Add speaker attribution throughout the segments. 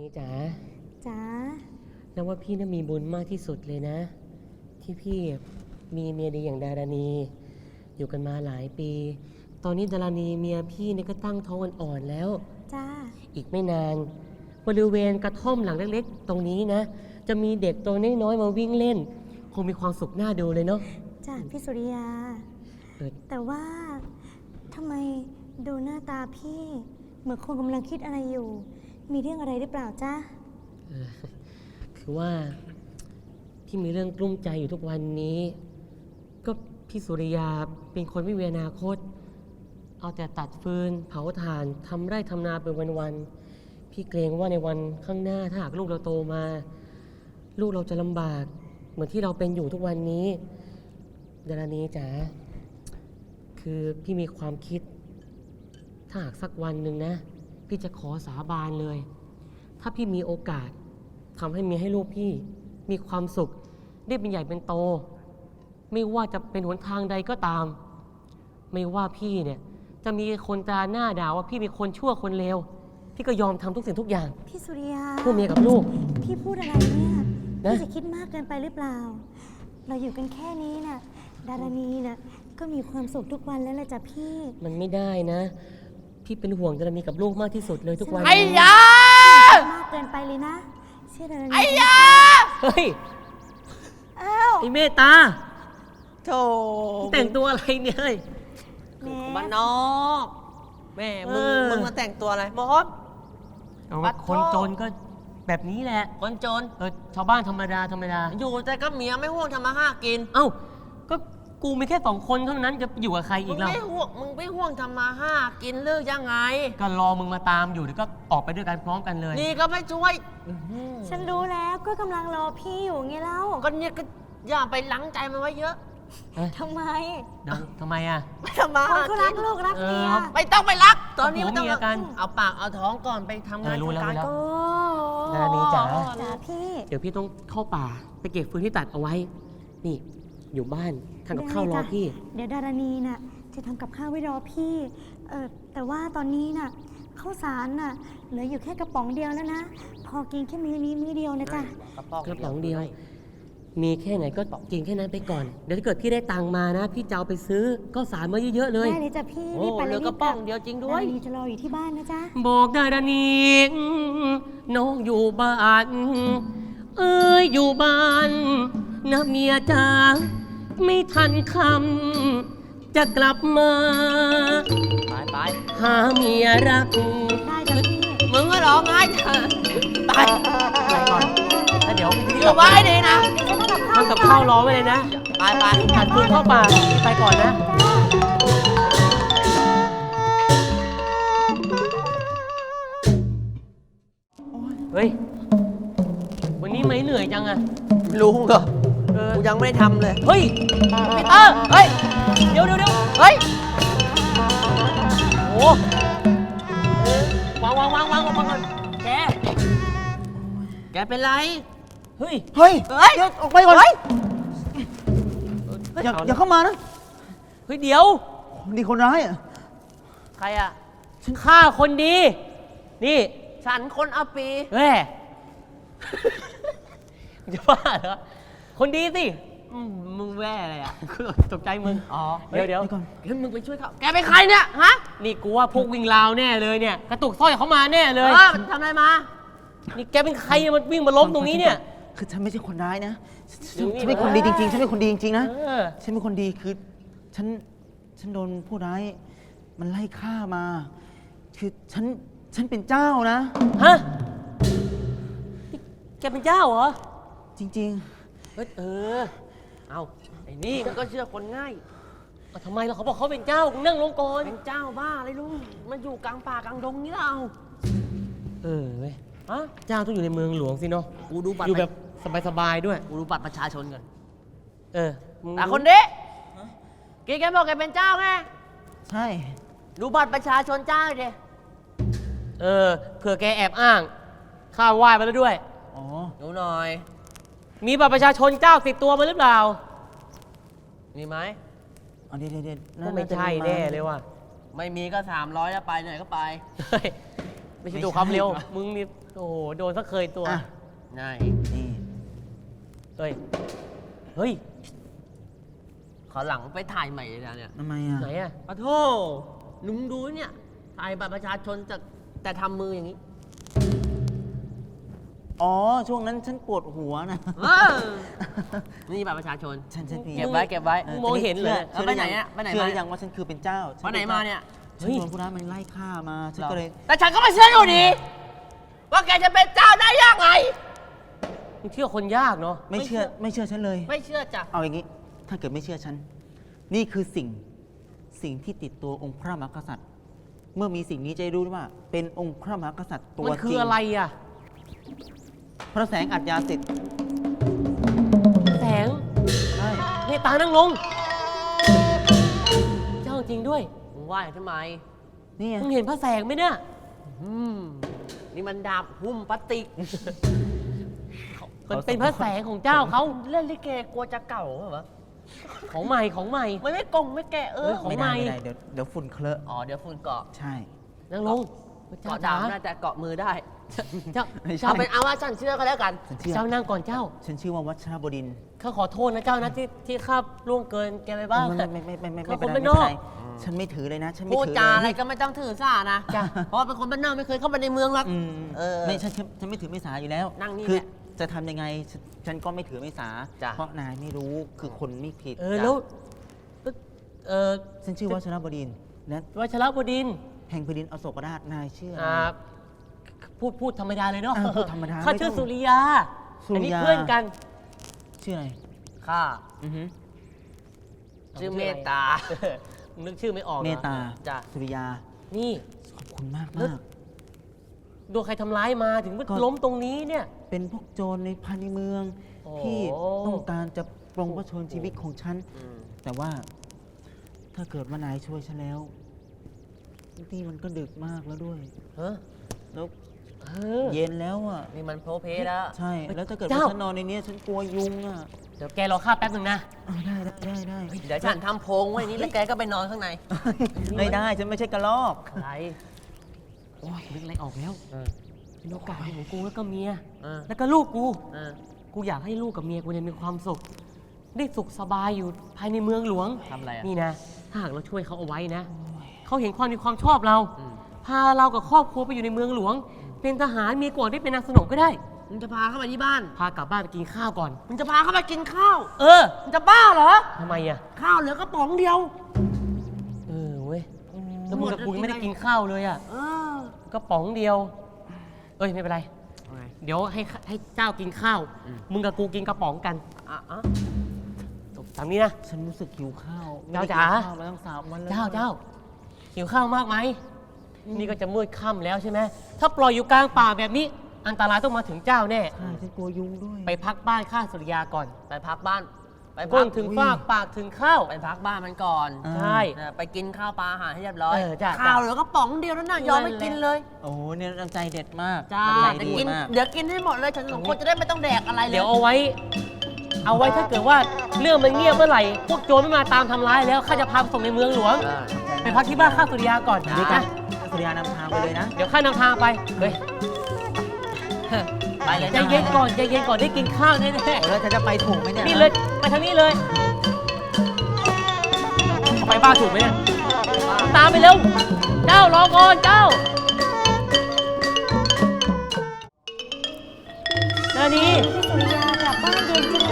Speaker 1: ณีจ๋า
Speaker 2: จ๋า
Speaker 1: นับว่าพี่น่ะมีบุญมากที่สุดเลยนะ ที่พี่มีเมียดีอย่างดารณีอยู่กันมาหลายปี ตอนนี้ดารณีเมียพี่เนี่ยก็ตั้งท้องอ่อนๆแล้ว
Speaker 2: จ้า
Speaker 1: อีกไม่นานบริเวณกระท่อมหลังเล็กๆตรงนี้นะ จะมีเด็กตัวน้อยๆมาวิ่งเล่น คงมีความสุขน่าดูเลยเนาะ
Speaker 2: จ้าพี่สุริยา แต่ว่าทำไมดูหน้าตาพี่เหมือนคนกำลังคิดอะไรอยู่ มีเรื่องอะไรหรือเปล่าจ้า
Speaker 1: เออคือว่าพี่มีเรื่องกลุ้มใจอยู่ทุกวันนี้ ก็พี่สุริยาเป็นคนไม่มีอนาคต เอาแต่ตัดฟืนเผาถ่านทำไร่ทำนาเป็นวันๆพี่เกรงว่าในวันข้างหน้าถ้าหากลูกเราโตมา ลูกเราจะลำบากเหมือนที่เราเป็นอยู่ทุกวันนี้ดารณีจ๋าคือพี่มีความคิด ถ้าหากสักวันหนึ่งนะ พี่จะขอสาบานเลย ถ้าพี่มีโอกาสทำให้เมียให้ลูกพี่มีความสุขได้เป็นใหญ่เป็นโต ไม่ว่าจะเป็นหนทางใดก็ตาม ไม่ว่าพี่เนี่ยจะมีคนตราหน้าด่าว่าพี่เป็นคนชั่วคนเลวพี่ก็ยอมทำทุกสิ่งทุกอย่าง
Speaker 2: พี่สุริยา
Speaker 1: เพื่อเมียกับลูก
Speaker 2: พี่พูดอะไรเนี่ย
Speaker 1: นะ
Speaker 2: พี่จะคิดมากเกินไปหรือเปล่า เราอยู่กันแค่นี้น่ะดารณีน่ะก็มีความสุขทุกวันแล้วล่ะจ้ะพี่
Speaker 1: มันไม่ได้นะ พี่เป็นห่วงดารณีกับลูกมากที่สุดเลยทุกวัน
Speaker 3: ไอ้ยา
Speaker 2: มากเกินไปเลยนะเชื่อดารณี
Speaker 3: ไอ้ยา
Speaker 1: เฮ้ย
Speaker 2: อ้าว
Speaker 1: ไอ้เมตตา
Speaker 3: โธ่
Speaker 1: แต่งตัวอะไรเนี่ยเฮ้ย
Speaker 2: แหม
Speaker 3: บ้านนอกแม่มึงมาแต่งตัวอะไรมด
Speaker 1: เอา
Speaker 3: ปัดโทษ
Speaker 1: คนจนก็แบบนี้แหละ
Speaker 3: คนจน
Speaker 1: ชาวบ้านธรรมดาธรรมดา
Speaker 3: อยู่แต่ก็เมียไม่ห่วงทำมาห้ากิน
Speaker 1: เอ้า ก็กูมีแค่2 คนเท่านั้นจะอยู่กับใคร
Speaker 3: มึ
Speaker 1: อี
Speaker 3: ง
Speaker 1: กแล้ว
Speaker 3: ไม่ห่วงทำมาห้ากินเลิกยังไง
Speaker 1: ก็รอมึงมาตามอยู่เดี๋ยวก็ออกไปด้วยกันพร้อมกันเลย
Speaker 3: นี่ก็ไม่ช่วย
Speaker 2: ฉันรู้แล้วก็กำลังรอพี่อยู่ไงเล่า
Speaker 3: ก็เนี่ยก็อย่าไปหลังใจมันไว้เยอะ
Speaker 2: ทำไม
Speaker 1: เดี๋ยวทำไมอ่ะ
Speaker 3: ไม่ทำมา
Speaker 2: คน
Speaker 3: ห้า
Speaker 2: เขารัก
Speaker 3: กิน
Speaker 2: ลูกรักเมีย
Speaker 3: ไม่ต้องไปรัก ตอนนี้ไม่ต้อง
Speaker 1: ผัวเมียกัน
Speaker 3: เอาปากเอาท้องก่อนไปทำงาน
Speaker 1: รู้แล้ว
Speaker 3: ทำการ
Speaker 1: รู้แล้ว
Speaker 3: ก่อน
Speaker 2: โอ้
Speaker 1: ดารณีจ๋า
Speaker 2: จ๋าพี่
Speaker 1: เดี๋ยวพี่ต้องเข้าป่าไปเก็บฟืนที่ตัดเอาไว้ นี่อยู่บ้านทำกับข้าวรอพี่
Speaker 2: เดี๋ยวดารณีน่ะจะทำกับข้าวไว้รอพี่แต่ว่าตอนนี้น่ะข้าวสารน่ะเหลืออยู่แค่กระป๋องเดียวแล้วนะ พอกินแค่มื้อนี้มื้อเดียวนะจ๊ะ
Speaker 1: กระป๋องเดียว มีแค่ไหนก็กินแค่นั้นไปก่อน เดี๋ยวถ้าเกิดพี่ได้ตังค์มานะ พี่จะเอาไปซื้อก็สารมาเยอะๆเลย
Speaker 2: ได้เลยจ้ะพี่
Speaker 3: โอ้
Speaker 2: รีบไป
Speaker 3: เห
Speaker 2: เล
Speaker 3: ลื
Speaker 2: ย
Speaker 3: อกระป๋องเดียวจริงด้วย
Speaker 2: ดารณีจะรออยู่ที่บ้านนะจ๊ะ
Speaker 1: บอกดารณีน้องอยู่บ้าน เอ้ยอยู่บ้านนะเมียจ๋าไม่ทันคำจะกลับมา
Speaker 3: ไป
Speaker 1: หาเมียรัก
Speaker 2: ได้จ้ะพี่
Speaker 3: มึงก็ร้องไห้เถอะไป
Speaker 1: ไปก่อนแล้วเดี๋ยวพี่
Speaker 3: อยู่ไว้ดีนะ
Speaker 1: ทำกับข้าวรอไว้เลยนะ
Speaker 3: ไป
Speaker 1: หันฟืนเข้าป่าพี่ไปก่อนนะ เฮ้ย วันนี้ไม่เหนื่อยจังอะ
Speaker 3: รู้เหรอ
Speaker 1: เออ
Speaker 3: กูยังไม่ได้ทำเลย
Speaker 1: เฮ้ยปีเตอร์
Speaker 3: เฮ้ย
Speaker 1: เดี๋ยว
Speaker 3: เฮ้ย
Speaker 1: โอ้วางก่อนแก
Speaker 3: แกเป็นไร
Speaker 1: เฮ้ย
Speaker 4: เฮ้ย
Speaker 3: เฮ้ย
Speaker 4: เดี๋ยวออกไปก่อน
Speaker 3: เฮ้ย
Speaker 4: อย่าเข้ามานะ
Speaker 1: เฮ้ย เดี๋ยว
Speaker 4: นี่คนร้ายอ่ะ
Speaker 3: ใครอ่ะ
Speaker 1: ฉันฆ่าคนดี นี่
Speaker 3: ฉันคนเอาปี
Speaker 1: แม่จะบ้าเหรอ คนดีสิ
Speaker 3: มึงแว่อะไรอ่ะ
Speaker 1: ตกใจมึง
Speaker 3: อ๋อ
Speaker 1: เดี๋ยว
Speaker 4: เดี๋ยวก่อน
Speaker 3: เฮ้ยมึงไปช่วยเขาแกเป็นใครเนี่ย ฮะ
Speaker 1: นี่กูว่าพวกวิ่งราวแน่เลยเนี่ย กระตุกสร้อยเขามาแน่เลย
Speaker 3: มันทำอะไรมา
Speaker 1: นี่แกเป็นใครเนี่ยมันวิ่งมาล้มตรงนี้เนี่ย
Speaker 4: คือฉันไม่ใช่คนร้ายนะ
Speaker 1: อยู่นี่
Speaker 4: ฉันเป็นคนดีจริงๆ ฉันเป็นคนดีจริงๆนะ
Speaker 1: เออ
Speaker 4: ฉันเป็นคนดีคือฉันโดนผู้ร้าย มันไล่ฆ่ามา คือฉันเป็นเจ้านะ
Speaker 1: ฮะนี่แกเป็นเจ้าเหรอ
Speaker 4: จริง
Speaker 1: เฮ้ย เอา
Speaker 3: ไอ้นี่มันก็เชื่อคนง่าย
Speaker 1: เอาทำไมล่ะเขาบอกเขาเป็นเจ้ามึงนั่งลงก่อน
Speaker 3: เป็นเจ้าบ้าอะไรลุงมันอยู่กลางป่ากลางดงนี่เรา
Speaker 1: เว้ยฮะเจ้าต้องอยู่ในเมืองหลวงสิเนาะ
Speaker 3: กูดูบัตร
Speaker 1: อยู่แบบสบายๆด้วย
Speaker 3: กูดูบัตรประชาชนก่อน
Speaker 1: มึง
Speaker 3: แต่คนนี้แกบอกแกเป็นเจ้าไง
Speaker 4: ๆ ใช่
Speaker 3: ดูบัตรประชาชนเจ้าดิ
Speaker 1: เผื่อแกแอบอ้าง ข้าไหว้มาแล้วด้วย
Speaker 4: อ๋อ
Speaker 3: ดูหน่อย
Speaker 1: มีบัตรประชาชนเจ้าติดตัวมาหรือเปล่า
Speaker 3: มีไหม
Speaker 4: เอาเดี๋ยว
Speaker 1: ก็ไม่ใช่แน่เลยว่ะ
Speaker 3: ไม่มีก็300แล้วไปไหนก็ไป
Speaker 1: เฮ้ยไม่ใช่ดูความเร็ว มึงนี่โอ้โหโดนซะเคยตัว
Speaker 4: อ่ะ
Speaker 3: ง่าย
Speaker 4: นี่
Speaker 1: เฮ้ย เฮ้ย
Speaker 3: ขอหลังไปถ่ายใหม่เลยนะเนี่ย
Speaker 4: ทำไมอ่ะ
Speaker 1: ไหนอะ
Speaker 3: ปะโทลุงดูเนี่ย ถ่ายบัตรประชาชนแต่ทำมืออย่างนี้
Speaker 4: อ๋อ ช่วงนั้นฉันปวดหัวนะ
Speaker 3: เออนี่บัตรประชาชน
Speaker 4: ฉันมี
Speaker 3: เก็บไว้เก็บไว้
Speaker 1: มึงมองเห็นเลย
Speaker 3: แล้วไปไหนอะไปไหนมา
Speaker 4: เชื่อหรือยังว่าฉันคือเป็นเจ้า
Speaker 3: วันไหนมาเนี่ย
Speaker 4: ฉันโดนผู้ร้ายมันไล่ฆ่ามา ฉันก็เลย
Speaker 3: แต่ฉันก็ไม่เชื่ออยู่ดี ว่าแกจะเป็นเจ้าได้ยังไง
Speaker 1: มึงเที่ยวคนยากเนาะ
Speaker 4: ไม่เชื่อฉันเลย
Speaker 3: ไม่เชื่อจ้ะ
Speaker 4: เอาอย่างนี้ ถ้าเกิดไม่เชื่อฉัน นี่คือสิ่งที่ติดตัวองค์พระมหากษัตริย์ เมื่อมีสิ่งนี้จะได้รู้ว่า เป็นองค์พระมหากษัตริย์ตัว
Speaker 1: มัน
Speaker 4: จ
Speaker 1: คื
Speaker 4: ริ
Speaker 1: อง อะไรอะ
Speaker 4: พระแสงอัจยาสิทธิ์
Speaker 1: แสง
Speaker 4: ใช่
Speaker 1: เมตตานั่งลง เจ้าจริงด้วย
Speaker 3: มึงว่าอย่างทำไม
Speaker 4: นี่ไง
Speaker 1: มึงเห็นพระแสงไหมเนี่ย
Speaker 3: อืมนี่มันดาบหุ้มพลาสติก
Speaker 1: มันเป็นพระแสงของเจ้าเขา
Speaker 3: เล่นลิเกกลัวจะเก่าเหรอ
Speaker 1: ของใหม่ของใหม่
Speaker 3: มันไม่กงไม่แกะ
Speaker 1: เออ
Speaker 3: ของ
Speaker 4: ไม่
Speaker 1: ใหม่
Speaker 4: ได้เดี๋ยวฝุ่นเคลอะ
Speaker 3: อ๋อเดี๋ยวฝุ่นเกาะ
Speaker 4: ใช่
Speaker 1: นั่งลง
Speaker 3: เกาะ
Speaker 1: จ๋า
Speaker 3: ดาบน่าจะเกาะมือได้
Speaker 1: เจ้า
Speaker 4: ไม่ใช่
Speaker 3: เอาเป็นเอาว่าฉันเชื่อก็แล้วกัน
Speaker 4: ฉันเชื่อ
Speaker 1: เจ้านั่งก่อนเจ้า
Speaker 4: ฉันชื่อว่าวัชรบดินทร์
Speaker 1: ข้าขอโทษนะเจ้านะที่ข้าล่วงเกินแกไปบ้าง
Speaker 4: ไม่
Speaker 1: เขา
Speaker 4: เป็น
Speaker 1: คน
Speaker 4: ไร
Speaker 1: บ้านน
Speaker 4: ไม่
Speaker 1: อก
Speaker 4: เป็นไรฉันไม่ถือเลยนะ ฉันไม่
Speaker 3: พูด
Speaker 4: ถือ
Speaker 3: จา
Speaker 4: เลย
Speaker 3: อะไรก็ไม่ต้องถือสานะ
Speaker 1: จ้ะ
Speaker 3: เพราะว่าเป็นคนบ้านนอกไม่เคยเข้ามาในเมืองหรอก
Speaker 4: อืม
Speaker 3: เออ
Speaker 4: ไม่ฉันไม่ถือไม่สาอยู่แล้ว
Speaker 3: นั่งนี่
Speaker 4: คือ
Speaker 3: แหละ
Speaker 4: จะทำยังไงฉันก็ไม่ถือไม่สา
Speaker 3: จ้ะ
Speaker 4: เพราะนายไม่รู้คือคนไม่ผิด
Speaker 1: แล้วเออ
Speaker 4: ฉันชื่อวัชรบดินทร์และ
Speaker 1: วัชรบดินทร์
Speaker 4: แห่งแผ่นดินอโศกราชนายชื่ออะไร
Speaker 1: พูดธรรมดาเลยเนาะ
Speaker 4: พูดธรรมดา
Speaker 1: ข้า
Speaker 4: ไม่
Speaker 1: ชื่อ
Speaker 4: ต้อง
Speaker 1: สุริยา
Speaker 4: สุริยา
Speaker 1: อันนี้เพื่อนกัน
Speaker 4: ชื่ออะไร
Speaker 3: ข้า
Speaker 4: อือฮึ
Speaker 3: ชื่อเมตตา
Speaker 1: นึกชื่อไม่ออกหรอ
Speaker 4: เมตตา
Speaker 3: จ้ะ
Speaker 4: สุริยา
Speaker 1: นี่
Speaker 4: ขอบคุณมาก
Speaker 1: แล้ว
Speaker 4: มาก
Speaker 1: โดนใครทำร้ายมาถึงว่า
Speaker 4: ก็
Speaker 1: ล้มตรงนี้เนี่ย
Speaker 4: เป็นพวกโจรในภายในเมือง
Speaker 1: โอ้
Speaker 4: ที่ต้องการจะปรงพระชนชีวิตของฉัน
Speaker 3: อืม
Speaker 4: แต่ว่าถ้าเกิดว่านายช่วยฉันแล้วนี่มันก็ดึกมากแล้วด้วย
Speaker 1: เฮ้อ
Speaker 4: แล้ว
Speaker 1: เออ
Speaker 4: เย็นแล้วอ่ะ
Speaker 3: นี่มันโพเพแล้ว
Speaker 4: ใช่ แล้วถ้าเกิด
Speaker 1: เจ้า
Speaker 4: ว่าฉันนอนในนี้ฉันกลัวยุงอ่ะ
Speaker 1: เดี๋ยวแกรอข้าแป๊บหนึ่งนะ
Speaker 4: ได้ได้
Speaker 3: เดี๋ยวฉันทำโพรงไว้นี่แล้วแกก็ไปนอนข้างใน
Speaker 4: ไม่ได้ฉันไม่ใช่กระรอก
Speaker 1: อะไรโอ้ยนึกอะไรออกแล้วเป็นโอกาสของกูแล้วก็เมีย
Speaker 3: เออ
Speaker 1: แล้วก็ลูกกู
Speaker 3: เออ
Speaker 1: กูอยากให้ลูกกับเมียกูเนี่ยมีความสุข ได้สุขสบายอยู่ภายในเมืองหลวง
Speaker 3: ทำอะไรอ่ะ
Speaker 1: นี่นะ ถ้าหากเราช่วยเขาเอาไว้นะ เขาเห็นความมีความชอบเรา
Speaker 3: อืม
Speaker 1: พาเรากับครอบครัวไปอยู่ในเมืองหลวง เป็นทหารมีกวดได้เป็นนางสนมก็ได้
Speaker 3: มึงจะพาเข้ามาที่บ้าน
Speaker 1: พากลับบ้านไปกินข้าวก่อน
Speaker 3: มึงจะพาเข้ามากินข้าว
Speaker 1: เออ
Speaker 3: มึงจะบ้าเหรอ
Speaker 1: ทำไมอ่ะ
Speaker 3: ข้าวเหลือกระป๋องเดียว
Speaker 1: เออเว้ย แล้วมึงกับกูยังไม่ได้กินข้าวเลยอ่ะ
Speaker 3: เออ
Speaker 1: ก็ป๋องเดียว เอ้ยไม่เป็นไร เดี๋ยวให้เจ้ากินข้าว มึงกับกูกินกระป๋องกัน
Speaker 3: อ่ะอ่ะ
Speaker 1: จบตามนี้นะ
Speaker 4: ฉันรู้สึกหิวข้าวไม่
Speaker 1: เจ้า
Speaker 4: ได้
Speaker 1: จ๋า
Speaker 4: กินข้าวมาตั้ง3 วันแล้ว
Speaker 1: เจ้าหิวข้าวมากไหม นี่ก็จะมืดค่ำแล้วใช่ไหม ถ้าปล่อยอยู่กลางป่าแบบนี้ อันตรายต้องมาถึงเจ้าแน่
Speaker 4: ใช่ฉันกลัวยุงด้วย
Speaker 1: ไปพักบ้านข้าสุริยาก่อน
Speaker 3: ไปพักบ้าน ไปพั
Speaker 1: ก้
Speaker 3: ก
Speaker 1: นถึงฟากปากถึงข้าว
Speaker 3: ไปพักบ้านมันก่อน
Speaker 4: อ่า
Speaker 1: ใช่
Speaker 3: ไปกินข้าวปลาอาหารให้เรียบร้อย
Speaker 1: จ้ะ
Speaker 3: ข้าวเหลือกระป๋องเดียวนั่นน่ะยอมไม่กินเลย
Speaker 4: โอ้โหเนี่ยน้ำใจเด็ดมาก
Speaker 3: จ้า
Speaker 4: น้ำใจ
Speaker 3: แต่
Speaker 4: ดี
Speaker 3: กิน
Speaker 4: มาก
Speaker 3: เดี๋ยวกินให้หมดเลยฉันสองคนจะได้ไม่ต้องแดกอะไรเลย
Speaker 1: เดี๋ยวเอาไว้ถ้าเกิดว่าเรื่องมันเงียบเมื่อไหร่ พวกโจรไม่มาตามทำร้ายแล้วข้าจะพาไปส่งในเมืองหลวง
Speaker 3: อ่า
Speaker 1: ไปพักที่บ้านข้าสุริยาก่อน
Speaker 4: ด้วยกั
Speaker 1: นะ
Speaker 4: นสุริยานำทางไปเลยนะ
Speaker 1: เดี๋ยวข้านำทางไป เฮ้ย
Speaker 3: ไปเลย
Speaker 1: ใจเย็นก่อนได้กินข้าวแน่
Speaker 4: โอ้แล้วฉันจะไปถูกไหมเนี่ย
Speaker 1: ๆนี่เลยไปทางนี้เลยเอาไปบ้านถูกไหมเนี่ยตามไปเร็ว เจ้ารอก่อนเจ้านานี
Speaker 2: พี่สุริยากลับบ้านเย็นจังเลย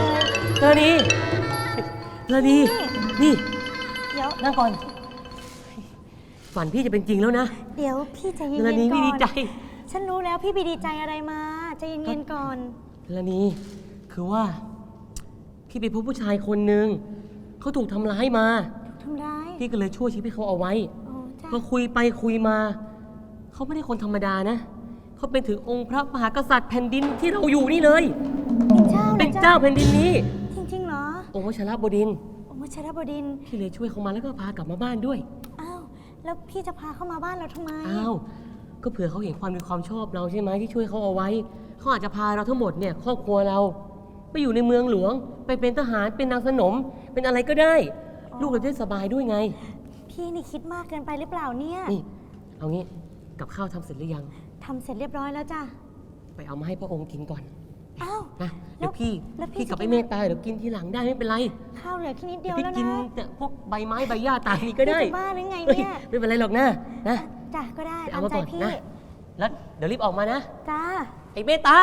Speaker 1: นานีนี่
Speaker 2: เดี๋ยว
Speaker 1: นั่งก่อน ฝันพี่จะเป็นจริงแล้วนะ
Speaker 2: เดี๋ยวพี่ใจเย็นๆ
Speaker 1: นา
Speaker 2: ก่อน
Speaker 1: นีพี่ดีใจ
Speaker 2: ฉันรู้แล้วพี่ไปดีใจอะไรมาใจเย็นๆก่อน
Speaker 1: นานีคือว่า พี่ไปพบผู้ชายคนหนึ่งเขาถูกทำร้ายมา
Speaker 2: ทำร้าย
Speaker 1: พี่ก็เลยช่วยชีวิตเขาเอาไว้
Speaker 2: โอ้จ้า
Speaker 1: พอคุยไปคุยมา เขาไม่ได้คนธรรมดานะ เขาเป็นถึงองค์พระมหากษัตริย์แผ่นดินที่เราอยู่นี่เลย
Speaker 2: เป็นเจ้าหรอ
Speaker 1: เป็นเจ้าแผ่นดินนี้
Speaker 2: จริงๆเหรอ
Speaker 1: องค์วชิรบดินทร์
Speaker 2: โอ้ชรบดินทร์
Speaker 1: พี่เลยช่วยเขามาแล้วก็พากลับมาบ้านด้วย
Speaker 2: อ้าวแล้วพี่จะพาเข้ามาบ้านเราทำไม
Speaker 1: อ้าว ก็เผื่อเขาเห็นความมีความชอบเราใช่ไหมที่ช่วยเขาเอาไว้ เขาอาจจะพาเราทั้งหมดเนี่ยครอบครัวเรา ไปอยู่ในเมืองหลวง ไปเป็นทหาร เป็นนางสนม เป็นอะไรก็ได้ ลูกเราจะได้สบายด้วยไง
Speaker 2: พี่นี่คิดมากเกินไปหรือเปล่าเนี่ย
Speaker 1: นี่ เอางี้ กับข้าวทำเสร็จหรือยัง
Speaker 2: ทำเสร็จเรียบร้อยแล้วจ้ะ
Speaker 1: ไปเอามาให้พระองค์กินก่อน
Speaker 2: อ้าว
Speaker 1: นะเดี๋ยวพี่
Speaker 2: แล้วพี่
Speaker 1: พี่กับ
Speaker 2: จะ
Speaker 1: ไอ้เมตตาเดี๋ยวกินทีหลังได้ไม่เป็นไร
Speaker 2: ข้าวเหลือแค่นิดเดียว
Speaker 1: พี่
Speaker 2: แล้ว
Speaker 1: กิน
Speaker 2: นะ
Speaker 1: แต่พวกใบไม้ใบหญ้าตามนี้ก็ได้
Speaker 2: พี่จะบ้าหรือไง
Speaker 1: เฮ้ย
Speaker 2: เนี่ย
Speaker 1: ไม่เป็นไรหรอกนะนะ
Speaker 2: จ้ะก็ได้
Speaker 1: ไป
Speaker 2: ตา
Speaker 1: เอา
Speaker 2: ม
Speaker 1: มา
Speaker 2: ใจ
Speaker 1: ก่อน
Speaker 2: พี่
Speaker 1: นะแล้วเดี๋ยวรีบออกมานะ
Speaker 2: จ้า
Speaker 1: ไอ้เมตตา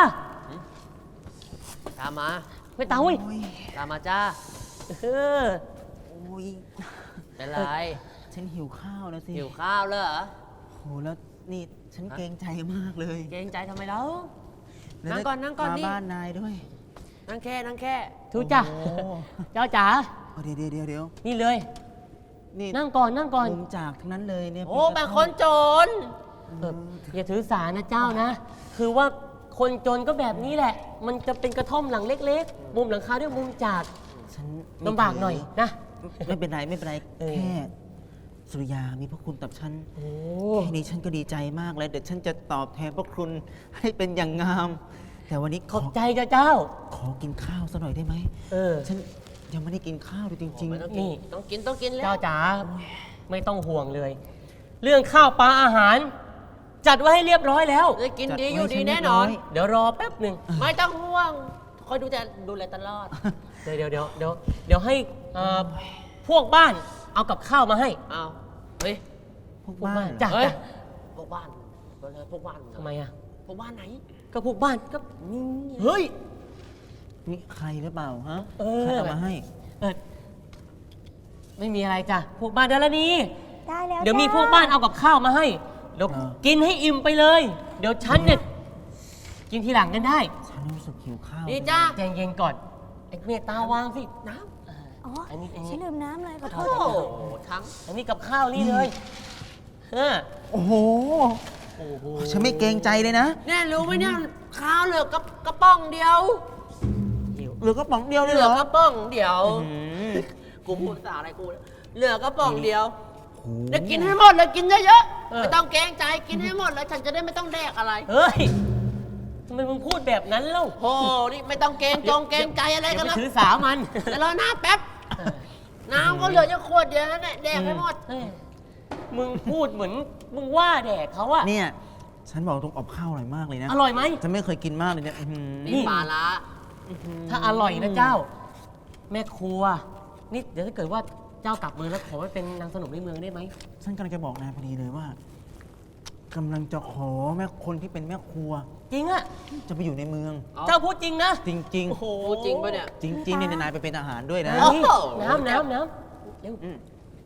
Speaker 3: ตามมา
Speaker 1: เมตตาเว้ย
Speaker 4: โอ้ย
Speaker 3: ตามมาจ้า
Speaker 1: เออ
Speaker 4: โอ้ย
Speaker 3: เป็นไร
Speaker 4: ฉันหิวข้าวแล้วสิ
Speaker 3: หิวข้าวเลยเหรอ
Speaker 4: โหแล้วนี่ฉันเกรงใจมากเลย
Speaker 3: เกรงใจทำไมแล้ว
Speaker 4: แล้ว
Speaker 3: นั่งก่อนนั่งก่อน
Speaker 4: มา
Speaker 3: นี่
Speaker 4: บ้านนายด้วย
Speaker 3: นั่งแค่นั่งแค่
Speaker 1: ทูจ้ะ
Speaker 4: โอ้โห
Speaker 1: เจ้าจ๋า
Speaker 4: เอาเดี๋ยว
Speaker 1: นี่เลย
Speaker 4: นี่
Speaker 1: นั่งก่อนนั่งก่อน
Speaker 4: มุมจากทั้งนั้นเลยเนี่ย
Speaker 3: โอ้
Speaker 4: เป็
Speaker 3: เป็น
Speaker 4: กระ
Speaker 3: ค
Speaker 4: ท่อม
Speaker 3: นจน
Speaker 1: อย่าถือสานะเจ้านะ คือว่าคนจนก็แบบนี้แหละ มันจะเป็นกระท่อมหลังเล็กๆ มุมหลังคาด้วยมุมจาก
Speaker 4: ฉันไม่
Speaker 1: ลำบากหน่อยนะ
Speaker 4: ไม่เป็นไรไม่เป็นไร
Speaker 1: เออ
Speaker 4: แค่สุริยามีพระคุณกับฉัน
Speaker 1: โอ้
Speaker 4: แค่นี้ฉันก็ดีใจมากแล้วเดี๋ยวฉันจะตอบแทนพระคุณให้เป็นอย่างงาม แต่วันนี้
Speaker 1: ขอบใจเจ้า
Speaker 4: ขอกินข้าวสักหน่อยได้ไหม
Speaker 1: เออ
Speaker 4: ฉันยังไม่ได้กินข้าวเลยจริง
Speaker 3: ไม่ต้อง
Speaker 1: นี่
Speaker 3: กินต้องกินต้องกินแล้ว
Speaker 1: เจ้าจ๋าไม่ต้องห่วงเลย เรื่องข้าวปลาอาหาร จัดไว้ให้เรียบร้อยแล้ว
Speaker 3: จะกินดีอยู่ดีแน่นอน
Speaker 1: เดี๋ยวรอแป๊บหนึ่ง
Speaker 3: ไม่ต้องห่วง คอยดูแลตลอด
Speaker 1: เดี๋ยวให้พวกบ้านเอากับข้าวมาให้
Speaker 3: เอาเฮ้ย
Speaker 4: ๆพวกบ้านเหรอ
Speaker 1: จ้ะ
Speaker 3: เฮ้ย พวกบ้านพวกบ้าน
Speaker 1: ทำไมอ่ะ
Speaker 3: พวกบ้านไหน
Speaker 1: ก็พวกบ้านก็เฮ้ย
Speaker 4: นี่ใครหรือเปล่าฮะ
Speaker 1: เออ
Speaker 4: ใครเอามาให้
Speaker 1: เออไม่มีอะไรจ้ะพวกบ้านเดยวละนี้
Speaker 2: ได้แล้ว
Speaker 1: เดี๋ยวมี
Speaker 2: จ้
Speaker 1: พวกบ้านเอากับข้าวมาให้เดี๋ยวกินให้อิ่มไปเลย เดี๋ยวฉันเนี่ยกินทีหลังกันได้
Speaker 4: ฉันรู้สึกหิวข้าว
Speaker 3: นี่จ้า
Speaker 1: ใจเย็นก่อนไอ้เมตตาวางสิน้
Speaker 2: อ๋อ
Speaker 1: อันนี้
Speaker 2: ฉันลืมน้ำเลยขอโท
Speaker 3: โอ้
Speaker 2: ษ
Speaker 3: โห
Speaker 2: จ้ะ
Speaker 3: ทั้ง
Speaker 1: ำอันนี้กับข้าวนี่เลยเออ
Speaker 4: โอ้โห
Speaker 1: โอ้โห
Speaker 4: ฉันไม่เกรงใจเลยนะ
Speaker 3: เนี่ยรู้ไหมเนี่ยข้าวเหลือกระป๋องเดียว
Speaker 1: หิว
Speaker 4: เหลือกระป๋องเดียวเลย
Speaker 3: เห
Speaker 4: เห
Speaker 3: ลื
Speaker 4: ร
Speaker 3: อ
Speaker 4: อก
Speaker 3: ระป๋องเดียว
Speaker 4: อืม
Speaker 3: กูพูดภาษาอะไรกูเนี่ยเหลือกระป๋องเดียว
Speaker 4: โอ้โห
Speaker 3: เดี๋ยวกินให้หมดเลยกินเยอะๆไม่ต้องเกรงใจกินให้หมดแล้วฉันจะได้ไม่ต้องแดกอะไร
Speaker 1: เฮ้ยทำไมมึงพูดแบบนั้นเล่า
Speaker 3: โอ้นี่ไม่ต้องเกรงเกรงใจอะไร
Speaker 1: อย่า
Speaker 3: กัน
Speaker 1: ไป
Speaker 3: แล้ว
Speaker 1: ถือสามัน
Speaker 3: แต่รอหน้าแป๊บ น้ำก็เหลือจะขวดเดียวนั่นแหละแดกให้หมด
Speaker 1: เฮ้ยมึงพูดเหมือนมึงว่าแดกเขาอะ
Speaker 4: เนี่ย ฉันบอกตรงอบข้าวอร่อยมากเลยนะ
Speaker 1: อร่อยไหม
Speaker 4: ฉันไม่เคยกินมากเลยเนี่ยอื้อหือ
Speaker 3: นี่ปลาละ
Speaker 1: ถ้าอร่อยนะเจ้า แม่ครัว นี่เดี๋ยวถ้าเกิดว่าเจ้ากลับเมืองแล้วขอไปเป็นนางสนมในเมืองได้ไหม
Speaker 4: ฉันกำลังจะบอกนายพอดีเลยว่ากำลังจะขอแม่คนที่เป็นแม่ครัว
Speaker 1: จริงอะ
Speaker 4: จะไปอยู่ในเมือง
Speaker 1: เจ้าพูดจริงนะ
Speaker 4: จริง
Speaker 1: โอ้โห
Speaker 3: พูดจริงปะเนี่ย
Speaker 4: ๆ จริงๆเนี่ยนายไปเป็นอาหารด้วยนะ
Speaker 1: เฮ้ย
Speaker 3: โอ้โห
Speaker 1: น้ำเร็ว
Speaker 4: อืม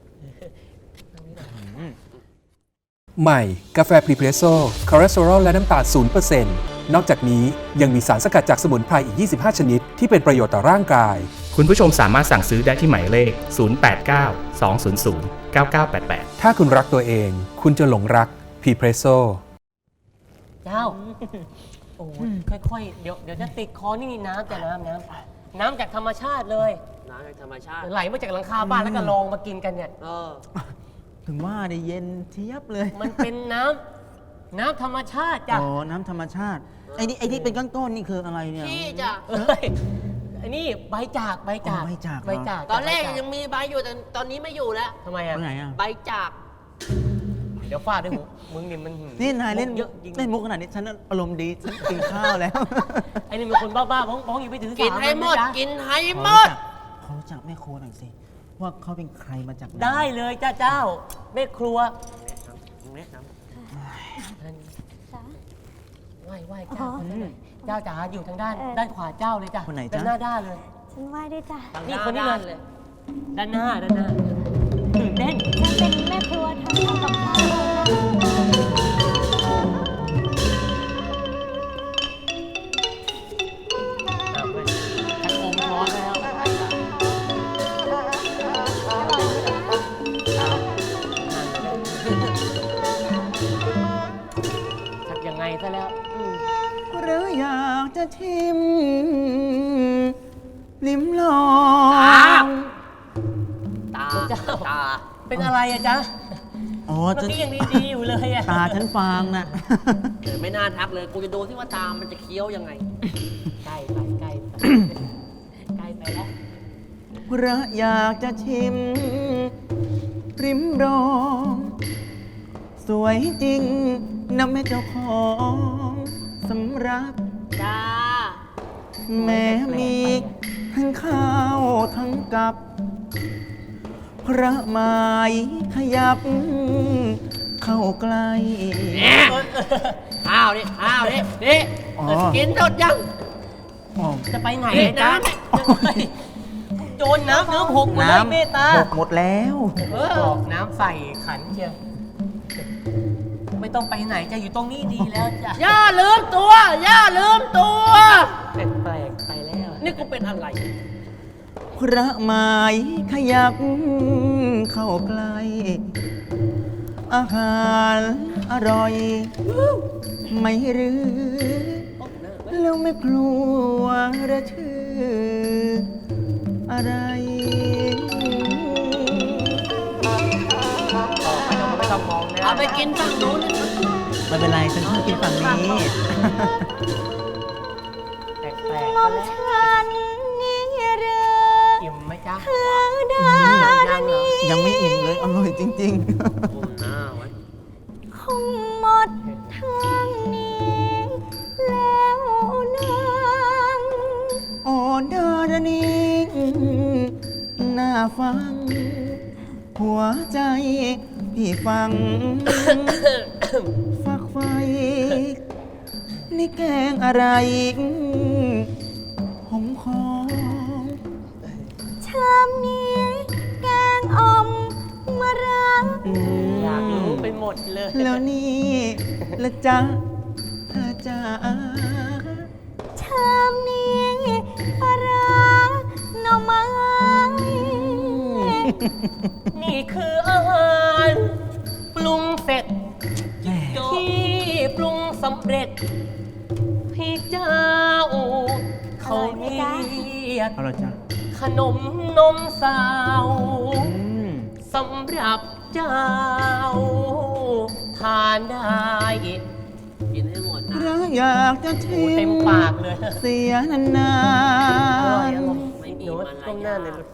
Speaker 5: ใหม่ กาแฟพรีเพรสโซ่คอเลสเตอรอลและน้ำตาล0%นนอกจากนี้ยังมีสารสกัดจากสมุนไพรอีก 25 ชนิด ที่เป็นประโยชน์ต่อร่างกาย
Speaker 6: คุณผู้ชมสามารถสั่งซื้อได้ที่หมายเลข 089 200 9988
Speaker 5: ถ้าคุณรักตัวเอง คุณจะหลงรักพรีเพรสโซ่
Speaker 1: เจ้า โอ้ยค่อยๆ เดี๋ยวจะติดคอนี่น้ำแต่น้ำจากธรรมชาติเลย
Speaker 3: น้ำจากธรรมชาติ
Speaker 1: ไหลมาจากหลังคาบ้านแล้วก็ลองมากินกันเนี่ย
Speaker 3: เออ
Speaker 4: ถึงว่าได้เย็นเทียบเลย
Speaker 1: มันเป็นน้ำธรรมชาติจ้ะ
Speaker 4: อ๋อ น้ำธรรมชาติ ไอ้นี่เป็นก้อนๆนี่คืออะไรเนี่ย
Speaker 3: พี่จ้ะ
Speaker 1: เอ้ยอันนี้ใบจาก
Speaker 4: อ๋อใบจากเหรอ
Speaker 1: ใบจาก
Speaker 3: ตอนแรก
Speaker 1: ใบา
Speaker 3: ยังมีใบอยู่แต่ตอนนี้ไม่อยู่แล้ว
Speaker 1: ทำไมอ่ะ
Speaker 4: ไปไหนอ่ะ
Speaker 3: ใบจาก
Speaker 1: เดี๋ยวฟาดด้วยหูมึงนี่มัน
Speaker 4: นี่นายเล่น
Speaker 1: เยอะจริง
Speaker 4: เล่นมุกขนาดนี้ฉันอารมณ์ดีฉันกินข้าวแล้ว
Speaker 1: ไอ้นี่เป็นคนบ้าๆบ้องอยู่ไปถือสา
Speaker 3: กินให้หมด
Speaker 1: นะจ๊ะ
Speaker 3: กินให้หมด
Speaker 4: ขอรู้จักแม่ครัวหน่อยสิ ว่าเขาเป็นใครมาจากหน
Speaker 1: ได้เลยจ้าเจ้าแม่ครัว
Speaker 2: จ้ะ
Speaker 1: ไหว้เจ้า
Speaker 2: อ๋อ
Speaker 1: คนนั้นหน่อยเจ้าจ๋าอยู่ทางด้าน
Speaker 2: เออ
Speaker 1: ด้านขวาเจ้าเลยจ้ะ
Speaker 4: คนไหน
Speaker 1: ด้า
Speaker 4: จ๊ะ
Speaker 1: นหน้าด้านเลย
Speaker 2: ฉันไหว้ได้วยจ้ะ
Speaker 1: นี่คนนี้เลย ด้านหน้าตื่นเต้น
Speaker 2: ฉันเป็นแม่ครัวทำกับข้าวเลยนะ
Speaker 1: อ้าวเว้ยฉันอมช้อนแล้วชักยังไงซะแล้ว
Speaker 4: หรืออยากจะชิม ลิ้มลอ
Speaker 3: ตา
Speaker 4: ง
Speaker 3: ตาตา
Speaker 1: เป็นอะไรอะจ๊ะ
Speaker 4: อ๋อ
Speaker 1: เมื่อ
Speaker 4: ฉัน
Speaker 1: กี้ยังดีๆอยู่เลยอะ
Speaker 4: ตาฉันฟางน่ะ
Speaker 3: ไม่น่าทักเลย กูจะดูที่ว่าตามันจะเคี้ยวยังไง
Speaker 1: ใกล้ไปใกล้ไปใกล้ไปแล้ว
Speaker 4: เพราะอยากจะชิม ริมรอง สวยจริงนะแม่เจ้าของสำรับ
Speaker 3: จ้า
Speaker 4: แม้มีทั้งข้าวทั้งกับ พระไม้ขยับ เข้าใกล้
Speaker 3: ข้าวนี่ข้าวนี่นี่
Speaker 4: อ๋อ
Speaker 3: กินหมดยัง
Speaker 4: อ๋อ
Speaker 3: จะไปไหนนะโจรน้ำเนื้อหกหมดเลย
Speaker 4: น้ำ
Speaker 3: เมตตา
Speaker 4: หกหมดแล้ว
Speaker 1: บอกน้ำใส่ขันเชียวไม่ต้องไปไหนจะอยู่ตรงนี้ดีแล้วจ้ะ
Speaker 3: ย่าลืมตัว ย่าลืมตัว
Speaker 1: แปลกๆไปแล้ว
Speaker 3: นี่กูเป็นอะไร
Speaker 4: พระไม้ขยับ เข้าใกล้ อาหารอร่อย ไม่หรือ แล้วไม่กลัวระชื่อ อะไร
Speaker 1: ไม่ต้องมองนะ
Speaker 3: เอาไปกินฝั่งนู้น
Speaker 4: ไม่เป็นไร ฉันชอบกินฝั่งนี้
Speaker 1: แปลกๆ
Speaker 2: ม
Speaker 1: ก็
Speaker 2: อง
Speaker 1: แล้ว
Speaker 2: ฉันนี่หรือ
Speaker 1: อิ่มไหมจ๊ะ
Speaker 2: คือดานี
Speaker 4: ยังไม่อิ่มเลย อร่อยจริง
Speaker 3: ก้มหน้าไว้
Speaker 2: คงหมดทางนี้ แล้วนาง
Speaker 4: ๆ อ่อนดารณีน่าฟัง หัวใจพี่ฟัง ฝักไฟ นี่แกงอะไรหอมคอ
Speaker 2: ชามนี้แกงอ่อมมะระ
Speaker 1: อยากรู้ไปหมดเลย
Speaker 4: แล้วนี่ละจ๊ะเธอจ๋า
Speaker 2: ชามนี้ปลาร้าหน่อไม้
Speaker 1: นี่คืออาหารปรุงเสร็จ
Speaker 4: แหม่
Speaker 1: ที่ปรุงสำเร็จ พี่เจ้า เขาเรียก
Speaker 4: เอาละจ๊ะ
Speaker 1: ขนมนมสาว
Speaker 4: อืม
Speaker 1: สำหรับเจ้า ทานได้
Speaker 3: กินให้หมดนะ
Speaker 4: เราอยากจะชิ
Speaker 1: โอ้
Speaker 4: ม
Speaker 1: เต็มปากเลย
Speaker 4: เสียนาน
Speaker 1: อร่อยอร่อย
Speaker 3: ไม่มี
Speaker 1: หนู
Speaker 3: มารยาท
Speaker 1: ก้มหน้าเลยลูก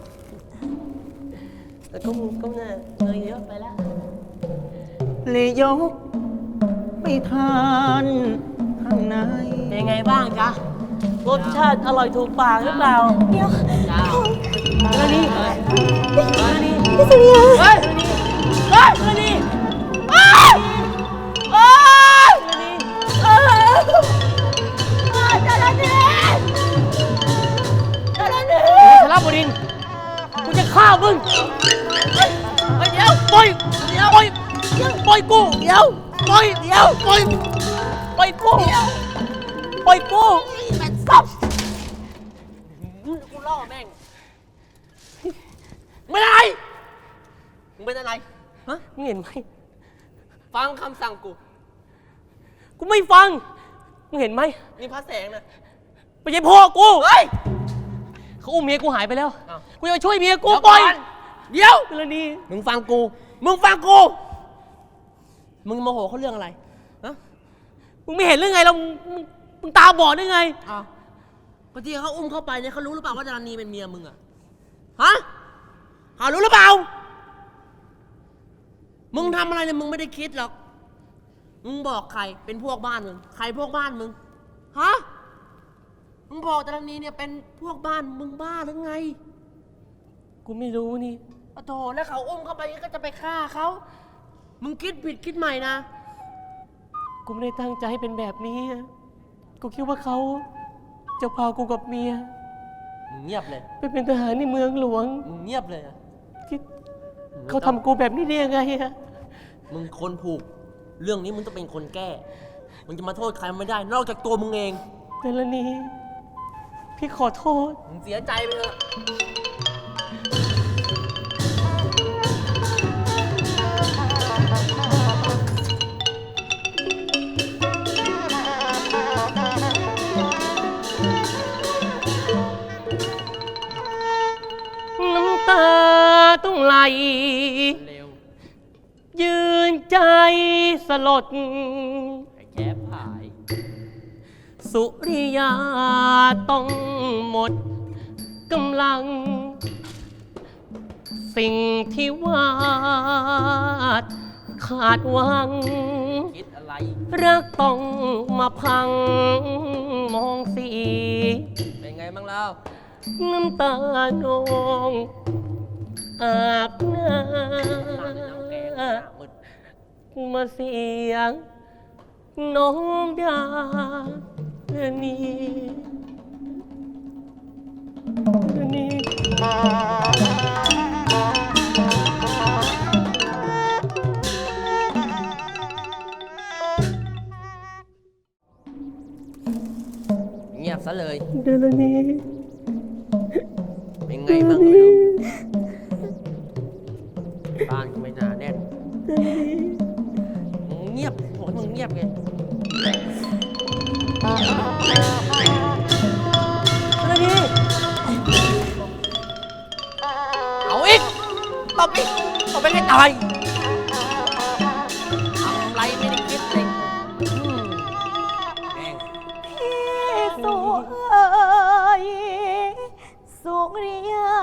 Speaker 1: แล้วก้มหน้าเลยเยอะไปแล้ว
Speaker 4: ๆเลยยกไปทานข้างใน
Speaker 1: เป็นไงบ้างจ๊ะ รสชาติอร่อยถูกปากหรือเปล่า
Speaker 2: เดี๋ยว
Speaker 3: จ้า
Speaker 1: เรื่องนี้เรื่องนี้
Speaker 2: พี่สุริยา
Speaker 1: เฮ้ยเรื่องนี้เฮ้ยเรื่องนี้เฮ้ยเฮ้ยเรื่องนี้เฮ้ยจระเข้จระเข้ชลบุรินทร์กูจะฆ่ามึงเฮ้ยเฮ้ยเดี๋ยวปล่อยเดี๋ยวปล่อยปล่อยกูเดี๋ยวปล่อยเดี๋ยวปล่อยปล่อยกูปล่อยกูแม่งซับกูล่อแม่งไม่ได้มึงเป็นอะไรฮะมึงเห็นไหม
Speaker 3: ฟังคำสั่งกู
Speaker 1: กูไม่ฟังมึงเห็นไหม
Speaker 3: นี่พระแสงนะ
Speaker 1: ไม่ใช่พ่อกู
Speaker 3: เฮ้ย
Speaker 1: เขาอุ้มเมียกูหายไปแล้ว
Speaker 3: อ้าว
Speaker 1: กูจะไปช่วยเมียกู
Speaker 3: เดี๋ยว
Speaker 1: ปล่อย
Speaker 3: ก่อนเดี๋ยว
Speaker 1: เรื่องนี้
Speaker 3: มึงฟังกู มึงฟังกู มึงโมโหเขาเรื่องอะไรฮะ
Speaker 1: มึงไม่เห็นเรื่องไงเรามึงตาบอดได้ไง
Speaker 3: อ้าวก็ที่เขาอุ้มเข้าไปเนี่ยเขารู้หรือเปล่าว่าจานีเป็นเมียมึงอะฮะเขารู้หรือเปล่า มึงทำอะไรเนี่ยมึงไม่ได้คิดหรอก มึงบอกใครเป็นพวกบ้านมึง ใครพวกบ้านมึง ฮะ มึงบอกจานีเนี่ยเป็นพวกบ้านมึงบ้าหรือไง
Speaker 1: กูไม่รู้นี่
Speaker 3: โอ้โถแล้วเขาอุ้มเข้าไปก็จะไปฆ่าเขา มึงคิดผิดคิดใหม่นะ
Speaker 1: กูไม่ได้ตั้งใจให้เป็นแบบนี้อะกูคิดว่าเขาจะพากูกับเมีย
Speaker 3: มึงเงียบเลย
Speaker 1: ไปเป็นทหารในเมืองหลวง
Speaker 3: มึงเงียบเลยอะ
Speaker 1: ที่เขาทำกูแบบนี้ได้ยังไงอะ
Speaker 3: มึงคนผูก เรื่องนี้มึงต้องเป็นคนแก้ มึงจะมาโทษใครไม่ได้ นอกจากตัวมึงเอง
Speaker 1: แต่ละนี้ พี่ขอโทษ
Speaker 3: มึงเสียใจไปเถอะ
Speaker 1: น้ำตาต้องไหล
Speaker 3: เร็ว
Speaker 1: ยืนใจสลด
Speaker 3: ไอ้แคบหาย
Speaker 1: สุริยาต้องหมดกำลัง สิ่งที่วาดขาดหวัง
Speaker 3: คิดอะไรอะไร
Speaker 1: รักต้องมาพังมองสี
Speaker 3: เป็นไงบ้างแล้ว
Speaker 1: น้ำตานองอาบหน้า
Speaker 3: น้ำแกงหน้ามืด
Speaker 1: มาเสียงน้องดานีนี่
Speaker 3: เงียบซะเลย
Speaker 1: เดลนี
Speaker 3: เป็นไงบ้างไม่รู้บ้านก็ไม่น่าแน่นมึงเงียบบอกให้มึงเงียบไงเอาอีกตบอีกตบไปให้ตายทำไรไม่ได้คิดเลยแม่ง
Speaker 2: พี่สุยสุริยา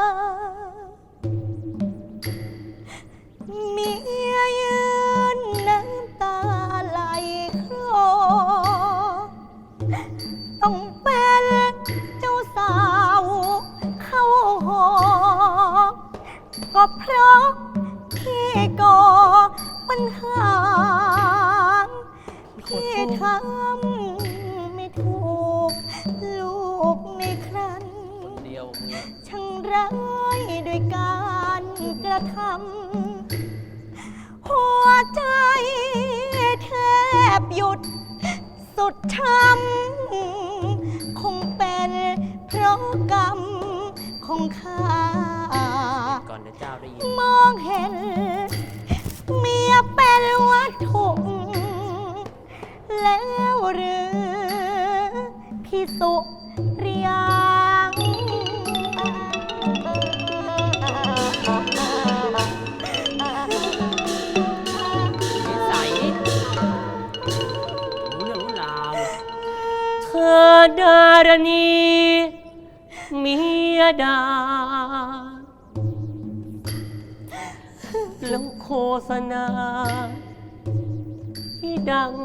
Speaker 2: เมียยืนน้ำตาไหลคลอต้องเป็นเจ้าสาวเข้าหอก็เพราะพี่ก่อปัญหาพี่ทำไม่ถูกลูกในครัน
Speaker 3: เดียวมึง
Speaker 2: ช่างร้ายด้วยการกระทำหัวใจแทบหยุดสุดช้ำคงเป็นเพราะกรรมของข้า
Speaker 3: ก่อนเดี๋ยวเจ้าได้ยิน
Speaker 2: มองเห็นเมียเป็นวัตถุแล้วหรือพี่สุริยา
Speaker 3: นิสัยรู้เรื่องรู้ราว
Speaker 1: เธอดารณีเมียดาแล้วโฆษณาที่ดัง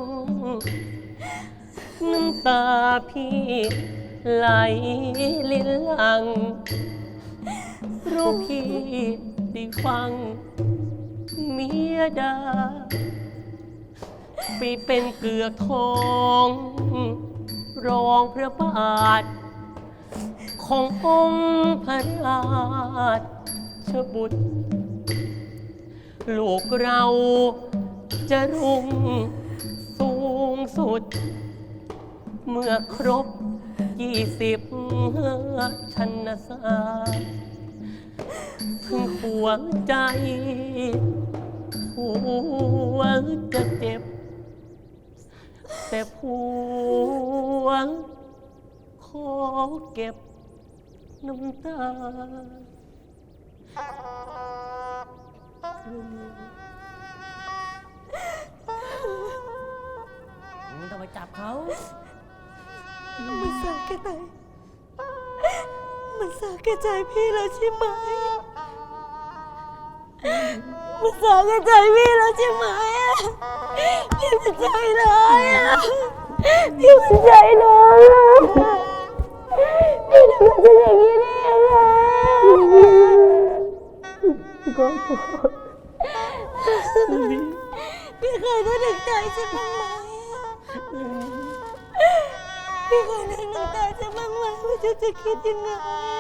Speaker 1: น้ำตาพี่ไหลลินหลังรู้พี่ได้ฟังเมียดาไปเป็นเกือกทองรองพระบาทขององค์พระราชบุตร ลูกเราจะรุ่งสูงสุด เมื่อครบ20ชันศาสตร์ถึงหัวใจหัวจะเจ็บ แต่ผัวขอเก็บน้ำตา
Speaker 3: มึงไม่ต้องไปจับเขา
Speaker 2: มันสาแก่ใจมันสาแก่ใจพี่แล้วใช่ไหม มันสาแก่ใจพี่แล้วใช่ไหมพี่มันใจร้ายอ่ะพี่มันใจร้ายอ่ะพี่ทำไมเป็นอย่างนี้ได้ยังไงก็พี่เคยนึกถึงใจฉันบ้างไหมพี่เคยนึกถึงใจฉันบ้างไหมว่าฉันจะคิดยังไง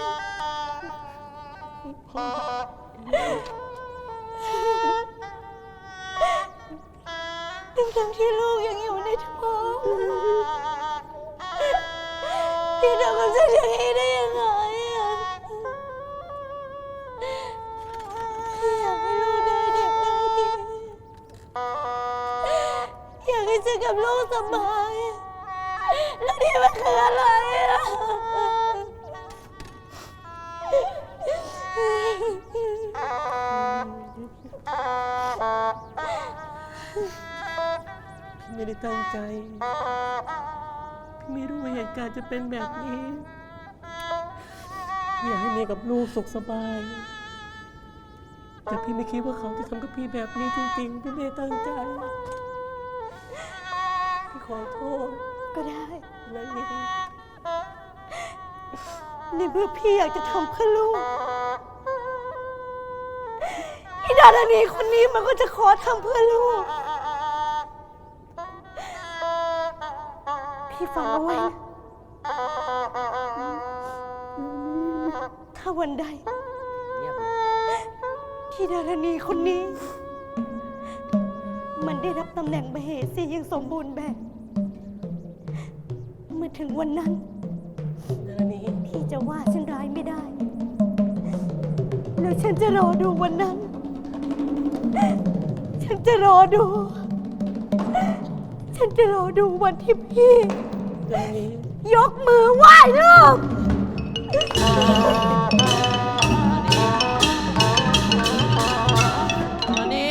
Speaker 2: ทั้งที่ลูกยังอยู่ในท้องพี่ทำกับฉันอย่างนี้ได้ยังไงอ่ะพี่อยากให้ลูกได้เด็กได้ดีอยากให้ฉันกับลูกสบายแล้วนี่มันคืออะไรอ่ะ
Speaker 1: พี่ไม่ได้ตั้งใจ พี่ไม่รู้ว่าเหตุการณ์จะเป็นแบบนี้ อยากให้เมียกับลูกสุขสบาย แต่พี่ไม่คิดว่าเขาจะทำกับพี่แบบนี้จริงๆ พี่ไม่ได้ตั้งใจ
Speaker 3: ขอโทษ
Speaker 2: ก็ได้
Speaker 3: ดารณี
Speaker 2: ในเมื่อพี่อยากจะทำเพื่อลูกไอ้ดารณีคนนี้มันก็จะขอทำเพื่อลูก พี่ฟังเอาไว้นะถ้าวันใด
Speaker 3: เงียบเลย
Speaker 2: ที่ดารณีคนนี้ มันได้รับตำแหน่งมเหสีอย่างสมบูรณ์แบบ เมื่อถึงวันนั้น
Speaker 3: ดารณี
Speaker 2: พี่จะว่าฉันร้ายไม่ได้ แล้วฉันจะรอดูวันนั้น ฉันจะรอดู ฉันจะรอดูวันที่พี่
Speaker 3: ดารณี
Speaker 2: ยกมือไหว้ลูก
Speaker 3: ดารณี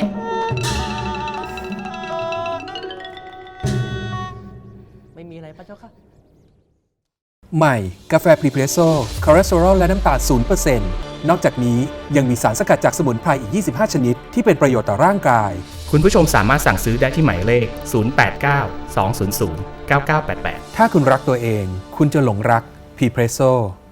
Speaker 3: ไม่มีอะไรพระเจ้าค่ะ
Speaker 5: ใหม่ กาแฟพรีเพรสโซ่คอเลสเตอรอลและน้ำตาล0%นอกจากนี้ยังมีสารสกัดจากสมุนไพรอีก 25 ชนิด ที่เป็นประโยชน์ต่อร่างกาย
Speaker 6: คุณผู้ชมสามารถสั่งซื้อได้ที่หมายเลข 089 200 9988
Speaker 5: ถ้าคุณรักตัวเอง คุณจะหลงรักพรีเพรสโซ่